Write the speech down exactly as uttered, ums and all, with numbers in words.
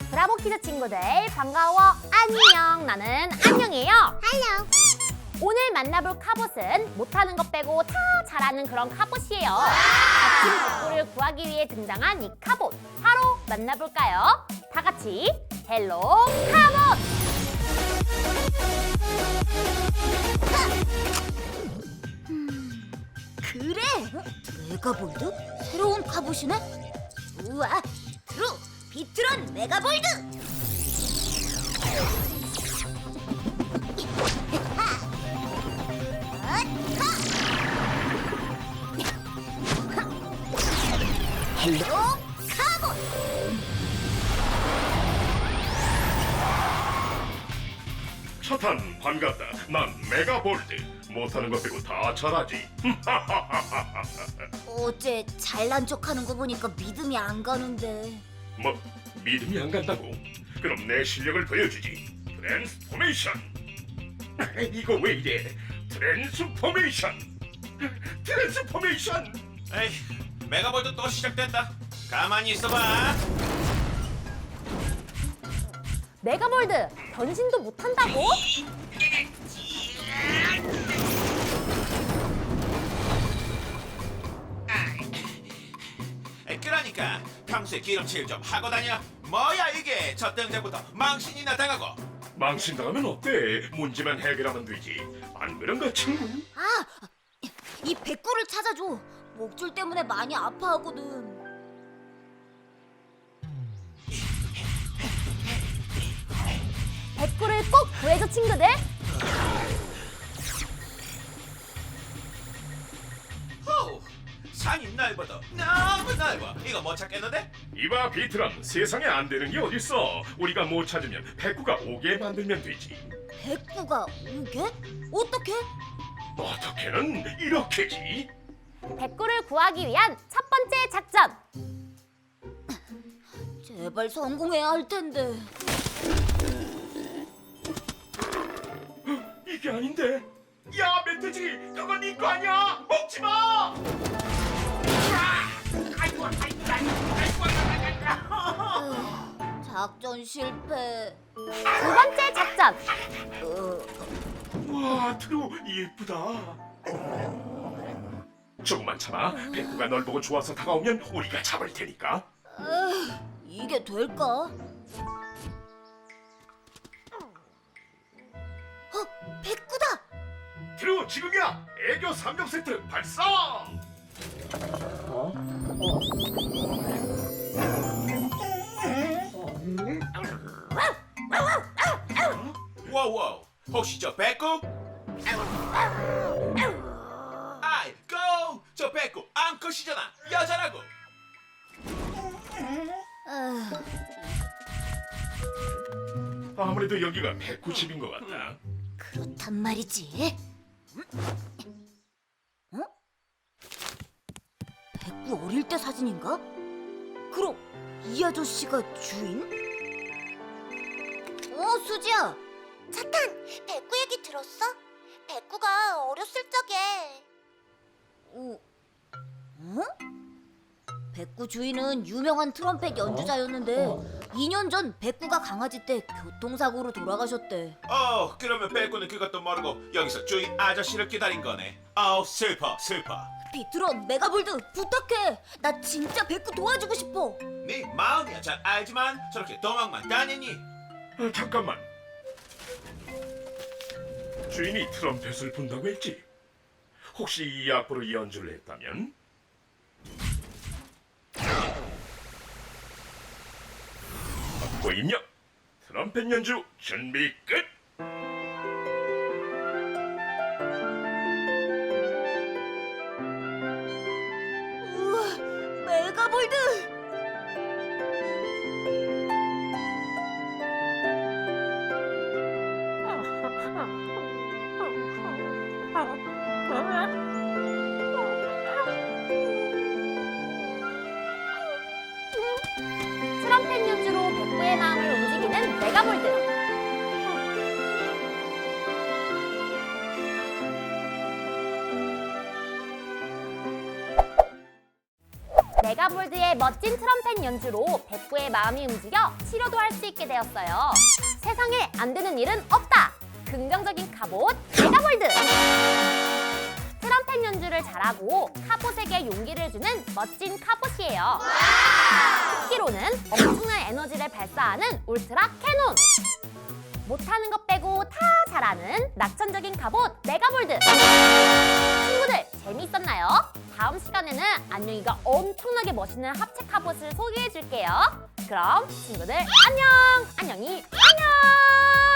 브라보 키즈 친구들 반가워. 안녕. 나는 안녕이에요. 할로. 오늘 만나볼 카봇은 못하는 것 빼고 다 잘하는 그런 카봇이에요. 아침 백구를 구하기 위해 등장한 이 카봇, 바로 만나볼까요? 다 같이 헬로 카봇! 그래. 메가볼드? 새로운 카봇이네? 우와, 트루 비트론 메가볼드. 헬로 카봇. 차탄 반갑다. 난 메가볼드. 못하는 것 빼고 다 잘하지. 어제 잘난 척하는 거 보니까 믿음이 안 가는데. 뭐 믿음이 안 간다고? 그럼 내 실력을 보여주지. 트랜스포메이션. 이거 왜 이래? 트랜스포메이션. 트랜스포메이션. 에이, 메가볼도 또 시작됐다. 가만히 있어봐. 메가볼드, 변신도 못한다고? 에이, 그러니까 평소에 기름칠 좀 하고 다녀. 뭐야 이게? 첫 등장부터 망신이나 당하고. 망신 당하면 어때? 문제만 해결하면 되지. 안 그런가 친구? 아, 이 백구를 찾아줘. 목줄 때문에 많이 아파하거든. 백구를 꼭 구해줘 친구들. 호, 산이 넓어도 너무 넓어. 이거 못 찾겠는데? 이봐 비트랑 세상에 안 되는 게 어딨어. 우리가 못 찾으면 백구가 오게 만들면 되지. 백구가 오게? 어떻게? 어떻게는 이렇게지. 백구를 구하기 위한 첫 번째 작전. 제발 성공해야 할 텐데. 이게 아닌데. 야 멧돼지, 그건 네 거 아니야. 먹지 마. 작전 실패. 두 번째 작전. 와 트루 예쁘다. 조금만 참아. 백구가 널 보고 좋아서 다가오면 우리가 잡을 테니까. 에휴, 이게 될까? 어, 백구다! 트루 지금이야. 애교 삼종 세트 발사. 와우, 혹시 저 백구? 아이고, 저 백구 암컷이잖아. 여자라고. 에휴, 아무래도 여기가 백구 집인 것 같다. 그렇단 말이지. 어? 백구 어릴 때 사진인가? 그럼 이 아저씨가 주인? 어, 수지야. 차탄, 백구 얘기 들었어? 백구가 어렸을 적에 어? 어? 백구 주인은 유명한 트럼펫 연주자였는데 이 년 전 백구가 강아지 때 교통사고로 돌아가셨대. 어, 그러면 백구는 그것도 모르고 여기서 주인 아저씨를 기다린 거네. 아우, 슬퍼, 슬퍼. 비트론, 메가볼드 부탁해. 나 진짜 백구 도와주고 싶어. 네 마음이야 잘 알지만 저렇게 도망만 다니니. 아, 잠깐만. 주인이 트럼펫을 분다고 했지. 혹시 이 악보로 연주를 했다면? 악보 입력. 트럼펫 연주 준비 끝. 우와, 메가볼드. 트럼펫 연주로 백구의 마음을 움직이는 메가볼드. 메가볼드의 멋진 트럼펫 연주로 백구의 마음이 움직여 치료도 할 수 있게 되었어요. 세상에 안 되는 일은 없다! 긍정적인 카봇 메가볼드! 트럼펫 연주를 잘하고 카봇에게 용기를 주는 멋진 카봇이에요. 특기로는 엄청난 에너지를 발사하는 울트라 캐논! 못하는 것 빼고 다 잘하는 낙천적인 카봇 메가볼드! 친구들 재미있었나요? 다음 시간에는 안녕이가 엄청나게 멋있는 합체 카봇을 소개해 줄게요. 그럼 친구들 안녕! 안녕히 안녕!